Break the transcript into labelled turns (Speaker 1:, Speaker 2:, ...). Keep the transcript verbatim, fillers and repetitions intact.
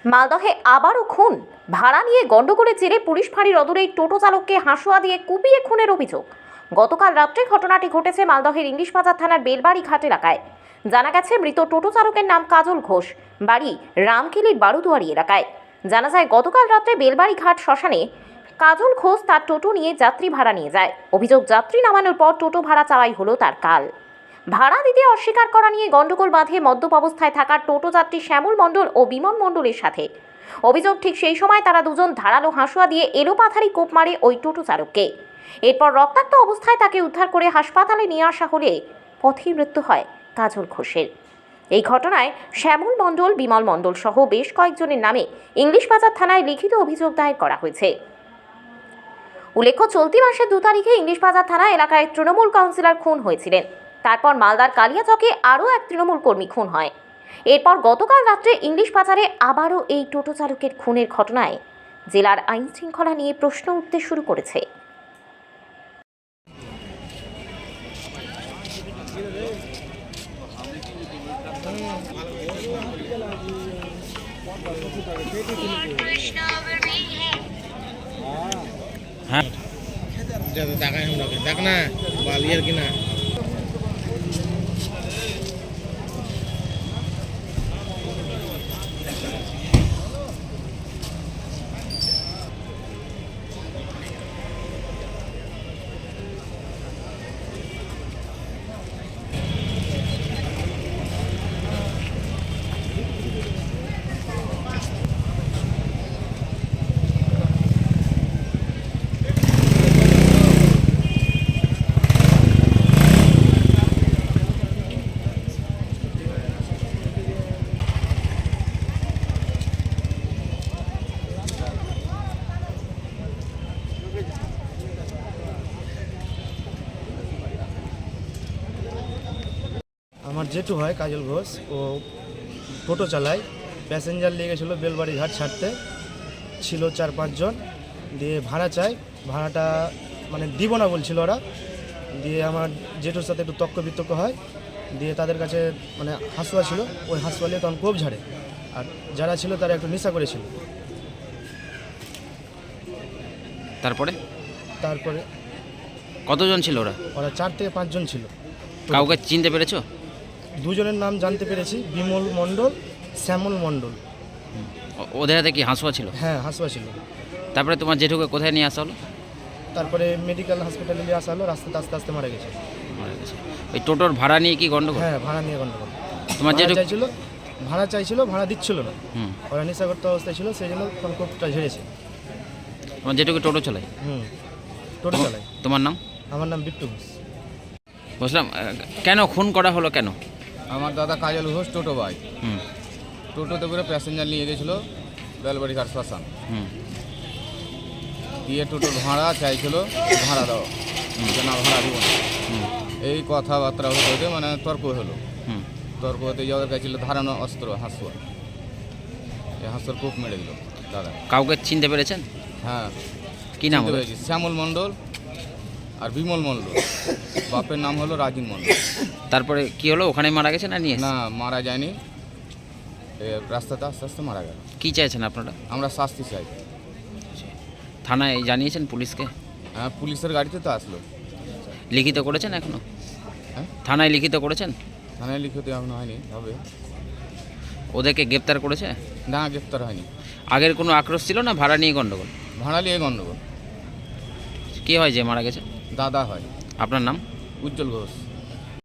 Speaker 1: মালদহে আবারও খুন। ভাড়া নিয়ে গন্ডগোলের জেরে পুলিশ ফাঁড়ির অদূরেই টোটো চালককে হাঁসুয়া দিয়ে কুপিয়ে খুনের অভিযোগ। গতকাল রাত্রে ঘটনাটি ঘটেছে মালদহের ইংলিশ বাজার থানার বেলবাড়ি ঘাট এলাকায়। জানা গেছে মৃত টোটো চালকের নাম কাজল ঘোষ, বাড়ি রামকিলির বারুদুয়ারি এলাকায়। জানা যায় গতকাল রাত্রে বেলবাড়ি ঘাট শ্মশানে কাজল ঘোষ তার টোটো নিয়ে যাত্রী ভাড়া নিয়ে যায়। অভিযোগ, যাত্রী নামানোর পর টোটো ভাড়া চাওয়াই হলো তার কাল। ভাড়া দিতে অস্বীকার করা নিয়ে গন্ডগোল বাঁধে মদ্যপ অবস্থায় থাকা টোটো যাত্রী শ্যামল মণ্ডল ও বিমল মণ্ডলের সাথে। অভিযোগ, ঠিক সেই সময় তারা দুজন ধারালো হাঁসুয়া দিয়ে এলোপাথারি কোপ মারে ওই টোটো চালককে। এরপর রক্তাক্ত অবস্থায় তাকে উদ্ধার করে হাসপাতালে নিয়ে আসা হলে পথেই মৃত্যু হয় কাজল ঘোষের। এই ঘটনায় শ্যামল মণ্ডল, বিমল মণ্ডল সহ বেশ কয়েকজনের নামে ইংলিশ বাজার থানায় লিখিত অভিযোগ দায়ের করা হয়েছে। উল্লেখ্য, চলতি মাসের দু তারিখে ইংলিশ বাজার থানা এলাকায় তৃণমূল কাউন্সিলর খুন হয়েছিলেন। তারপর মালদার কালিয়াচকে আরও এক তৃণমূল কর্মী খুন হয়। এরপর গতকাল রাত্রে ইংলিশ বাজারে আবারও এই টোটো চালকের খুনের ঘটনায় জেলার আইন শৃঙ্খলা নিয়ে প্রশ্ন উঠতে শুরু করেছে।
Speaker 2: হ্যাঁ দেখাই আমরা দেখ না বালিয়ার কিনা
Speaker 3: আমার জেঠু হয় কাজল ঘোষ, ও টোটো চালায়। প্যাসেঞ্জার নিয়ে গেছিলো বেলবাড়ি ঘাট ছাড়তে, ছিল চার পাঁচজন। দিয়ে ভাড়া চাই, ভাড়াটা মানে দিব না বলছিল ওরা। দিয়ে আমার জেঠুর সাথে একটু তক্ক বিতর্ক হয়। দিয়ে তাদের কাছে মানে হাঁসুয়া ছিল, ওই হাঁসুয়া নিয়ে তখন কোপ ঝাড়ে। আর যারা ছিল তারা একটু নেশা করেছিল।
Speaker 2: তারপরে
Speaker 3: তারপরে
Speaker 2: কতজন ছিল ওরা?
Speaker 3: ওরা চার থেকে পাঁচজন ছিল।
Speaker 2: কাউকে চিনতে পেরেছো?
Speaker 3: দুজনের নাম জানতে পেরেছি, বিমল মণ্ডল, শ্যামল মণ্ডল।
Speaker 2: ও- ওদের হাতে কি হাঁসুয়া ছিল?
Speaker 3: হ্যাঁ, হাঁসুয়া ছিল।
Speaker 2: তারপরে তোমার জেঠুকে কোথায় নিয়ে আসা হলো?
Speaker 3: তারপরে মেডিকেল হসপিটালে নিয়ে আসা হলো, রাস্তাতে আস্তে আস্তে মারা গেছে।
Speaker 2: মারা গেছে। ওই টোটোর ভাড়া নিয়ে কি গন্ডগোল?
Speaker 3: হ্যাঁ, ভাড়া নিয়ে গন্ডগোল।
Speaker 2: তোমার
Speaker 3: ভাড়া
Speaker 2: জেঠু
Speaker 3: চাইছিল ভাড়া চাইছিল ভাড়া দিচ্ছিল না।
Speaker 2: হুম
Speaker 3: ওরা নেশাগ্রস্ত অবস্থায় ছিল, সেই জন্য তখন কোপটা ঝেড়েছে।
Speaker 2: তোমার জেঠুকে টোটো চালাই?
Speaker 3: হুম, টোটো চালাই।
Speaker 2: তোমার নাম?
Speaker 3: আমার নাম বিট্টু ঘোষ।
Speaker 2: বুঝলাম। আহ, কেন খুন করা হলো কেন?
Speaker 4: আমার দাদা কাজল ঘোষ টোটো ভাই,
Speaker 2: হুম
Speaker 4: টোটোতে করে প্যাসেঞ্জার নিয়ে গেছিলো বেলবাড়ি ঘাট শ্মশান।
Speaker 2: হুম
Speaker 4: দিয়ে টোটোর ভাড়া চাইছিল, ভাড়া দাও, যে না ভাড়া দিব না।
Speaker 2: হুম
Speaker 4: এই কথাবার্তা হতে হতে মানে তর্ক হলো।
Speaker 2: হুম
Speaker 4: তর্ক হতে যাওয়ার কাছে ছিল ধারানো অস্ত্র হাঁসুয়া। এই হাঁসুয়ার কূপ মেরে দিল দাদা।
Speaker 2: কাউকে চিনতে পেরেছেন?
Speaker 4: হ্যাঁ,
Speaker 2: কি নাম
Speaker 4: চিনতে
Speaker 2: ওদের?
Speaker 4: পেরেছি, শ্যামল মণ্ডল আর বিমল মণ্ডল। বাপের নাম হলো রাজীব মণ্ডল।
Speaker 2: তারপরে কি হলো? ওখানে মারা গেছে না নিয়ে?
Speaker 4: না, মারা যায়নি, এ রাস্তাতে আস্তে আস্তে মারা গেল।
Speaker 2: কি চাইছেন আপনারা?
Speaker 4: আমরা শাস্তি চাই।
Speaker 2: থানায় জানিয়েছেন পুলিশকে?
Speaker 4: হ্যাঁ, পুলিশের গাড়িতে তো আসলো।
Speaker 2: লিখিত করেছেন এখনো?
Speaker 4: হ্যাঁ,
Speaker 2: থানায় লিখিত করেছেন?
Speaker 4: থানায় লিখিত এখনো হয়নি, হবে।
Speaker 2: ওদেরকে গ্রেপ্তার করেছে?
Speaker 4: না, গ্রেপ্তার হয়নি।
Speaker 2: আগের কোনো আক্রোশ ছিল না ভাড়া নিয়ে গন্ডগোল?
Speaker 4: ভাড়া নিয়ে গণ্ডগোল।
Speaker 2: কি হয় যে মারা গেছে?
Speaker 4: দাদা হয়,
Speaker 2: আপনার নাম?
Speaker 4: উজ্জ্বল ঘোষ।